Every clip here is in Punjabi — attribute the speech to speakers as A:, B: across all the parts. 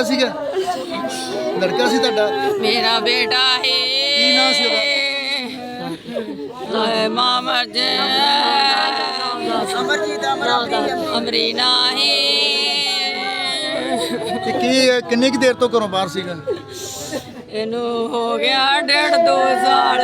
A: ਲੜਕਾ ਸੀਗਾ ਲੜਕਾ ਸੀ ਤੁਹਾਡਾ?
B: ਮੇਰਾ ਬੇਟਾ ਹੈ।
A: ਕੀ ਨਾਂ ਸੀ ਉਹਦਾ?
B: ਹਾਏ ਮਾਂ ਮਰ ਜੇ। ਅਮਰੀਨਾ ਹੈ।
A: ਤੇ ਕੀ ਕਿੰਨੀ ਕੁ ਦੇਰ ਤੋਂ ਘਰੋਂ ਬਾਹਰ ਸੀਗਾ?
B: ਇਹਨੂੰ ਹੋ ਗਿਆ 1.5-2 ਸਾਲ।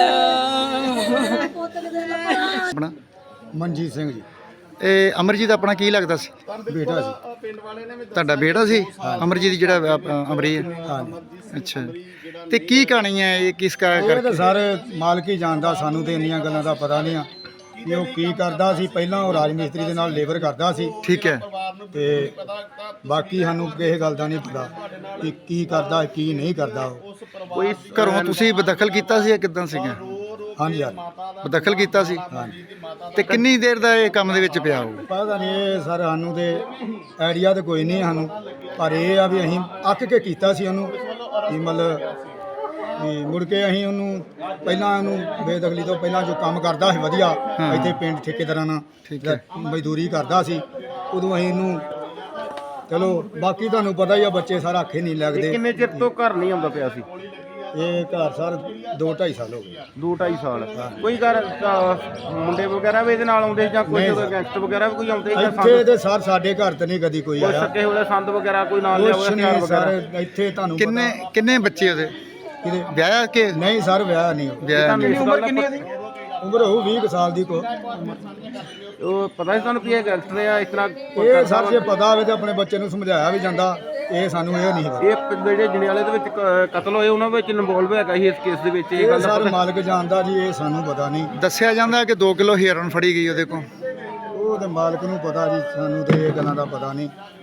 A: ਆਪਣਾ
C: ਮਨਜੀਤ ਸਿੰਘ ਜੀ,
A: ਇਹ ਅਮਰਜੀਤ ਆਪਣਾ ਕੀ ਲੱਗਦਾ ਸੀ?
C: ਬੇਟਾ ਸੀ।
A: ਤੁਹਾਡਾ ਬੇਟਾ ਸੀ ਅਮਰਜੀਤ ਜਿਹੜਾ ਅਮਰੀ ਹੈ?
C: ਹਾਂਜੀ,
A: ਅੱਛਾ। ਤੇ ਕੀ ਕਹਾਣੀ ਹੈ ਇਹ, ਕਿਸ ਕਾ
C: ਇਹ ਤਾਂ ਸਾਰੇ ਮਾਲਕ ਹੀ ਜਾਣਦਾ, ਸਾਨੂੰ ਤੇ ਇੰਨੀਆਂ ਗੱਲਾਂ ਦਾ ਪਤਾ ਨਹੀਂ ਆ ਕਿ ਉਹ ਕੀ ਕਰਦਾ ਸੀ। ਪਹਿਲਾਂ ਉਹ ਰਾਜ ਮਿਸਤਰੀ ਦੇ ਨਾਲ ਲੇਬਰ ਕਰਦਾ ਸੀ,
A: ਠੀਕ ਹੈ।
C: ਤੇ ਬਾਕੀ ਸਾਨੂੰ ਕਿਸੇ ਗੱਲ ਦਾ ਨਹੀਂ ਪਤਾ ਕਿ ਕੀ ਕਰਦਾ ਕੀ ਨਹੀਂ ਕਰਦਾ ਉਹ।
A: ਕੋਈ ਘਰੋਂ ਤੁਸੀਂ ਬਦਖਲ ਕੀਤਾ ਸੀ ਜਾਂ ਕਿੱਦਾਂ ਸੀਗਾ?
C: ਹਾਂਜੀ ਯਾਰ,
A: ਬਦਖਲ ਕੀਤਾ ਸੀ।
C: ਹਾਂਜੀ।
A: ਤੇ ਕਿੰਨੀ ਦੇਰ ਦਾ ਇਹ ਕੰਮ ਦੇ ਵਿੱਚ ਪਿਆ ਹੋਊ?
C: ਪਤਾ ਨਹੀਂ ਇਹ ਸਰ, ਸਾਨੂੰ ਤੇ ਆਈਡੀਆ ਤਾਂ ਕੋਈ ਨਹੀਂ ਸਾਨੂੰ, ਪਰ ਇਹ ਆ ਵੀ ਅਸੀਂ ਅੱਕ ਕੇ ਕੀਤਾ ਸੀ ਉਹਨੂੰ, ਕਿ ਮਤਲਬ ਵੀ ਮੁੜ ਕੇ ਅਸੀਂ ਉਹਨੂੰ ਪਹਿਲਾਂ ਉਹਨੂੰ ਬੇਦਖਲੀ ਤੋਂ ਪਹਿਲਾਂ ਜੋ ਕੰਮ ਕਰਦਾ ਸੀ ਵਧੀਆ ਇੱਥੇ ਪਿੰਡ ਠੇਕੇਦਾਰਾਂ ਨਾਲ ਮਜ਼ਦੂਰੀ ਕਰਦਾ ਸੀ, ਉਦੋਂ ਅਸੀਂ ਇਹਨੂੰ ਚਲੋ, ਬਾਕੀ ਤੁਹਾਨੂੰ ਪਤਾ ਹੀ ਆ ਬੱਚੇ ਸਾਰਾ ਆਖੇ ਨਹੀਂ ਲੱਗਦੇ।
D: ਕਿੰਨੇ ਚਿਰ ਤੋਂ ਘਰ ਨਹੀਂ ਆਉਂਦਾ ਪਿਆ ਸੀ?
C: ਇਹ ਘਰ ਸਰ 2-2.5 ਸਾਲ ਹੋ ਗਏ।
D: 2-2.5 ਸਾਲ। ਕੋਈ ਘਰ ਮੁੰਡੇ ਵਗੈਰਾ ਵੀ ਇਹਦੇ ਨਾਲ ਆਉਂਦੇ ਜਾਂ ਕੋਈ ਗੈਂਗਸਟਰ ਵਗੈਰਾ ਵੀ ਕੋਈ ਆਉਂਦੇ?
C: ਇੱਥੇ ਤੇ ਸਰ ਸਾਡੇ ਘਰ ਤੇ ਨਹੀਂ ਕਦੀ ਕੋਈ ਆਇਆ।
D: ਸੱਕੇ ਹੋਏ ਸੰਦ ਵਗੈਰਾ ਕੋਈ ਨਾਲ ਲਿਆ ਹੋਇਆ ਹਥਿਆਰ ਵਗੈਰਾ?
C: ਸਰ ਇੱਥੇ ਤੁਹਾਨੂੰ
A: ਕਿੰਨੇ ਬੱਚੇ ਉਹਦੇ?
C: ਕਿਹਦੇ?
A: ਵਿਆਹਿਆ ਕਿ
C: ਨਹੀਂ ਸਰ, ਵਿਆਹ ਨਹੀਂ।
A: ਵਿਆਹਿਆ ਨਹੀਂ?
D: ਉਮਰ ਕਿੰਨੀ ਹੈ?
C: ਉਮਰ ਹੋਊ 20 ਕੁ ਸਾਲ ਦੀ ਕੋ।
D: ਉਹ ਪਤਾ ਸੀ ਤੁਹਾਨੂੰ ਵੀ ਇਹ ਗੈਂਗਸਟਰ ਆ ਇਸ ਤਰ੍ਹਾਂ?
C: ਇਹ ਸਰ ਜੇ ਪਤਾ ਹੋਵੇ ਤੇ ਆਪਣੇ ਬੱਚੇ ਨੂੰ ਸਮਝਾਇਆ ਵੀ ਜਾਂਦਾ, ਇਹ ਸਾਨੂੰ ਇਹ ਨਹੀਂ ਪਤਾ।
D: ਇਹ ਜਿਹੜੇ ਜੰਡਿਆਲੇ ਦੇ ਵਿੱਚ ਕਤਲ ਹੋਏ ਉਹਨਾਂ ਵਿੱਚ ਇਨਵੋਲਵ ਹੈਗਾ ਸੀ ਇਸ ਕੇਸ ਦੇ ਵਿੱਚ? ਇਹ ਗੱਲ
C: ਸਰ ਮਾਲਕ ਜਾਣਦਾ ਜੀ, ਇਹ ਸਾਨੂੰ ਪਤਾ ਨਹੀਂ।
A: ਦੱਸਿਆ ਜਾਂਦਾ ਕਿ 2 ਕਿਲੋ ਹੀਰਨ ਫੜੀ ਗਈ ਉਹਦੇ ਕੋਲ।
C: ਉਹ ਤੇ ਮਾਲਕ ਨੂੰ ਪਤਾ ਜੀ, ਸਾਨੂੰ ਤੇ ਇਹ ਗੱਲਾਂ ਦਾ ਪਤਾ ਨਹੀਂ।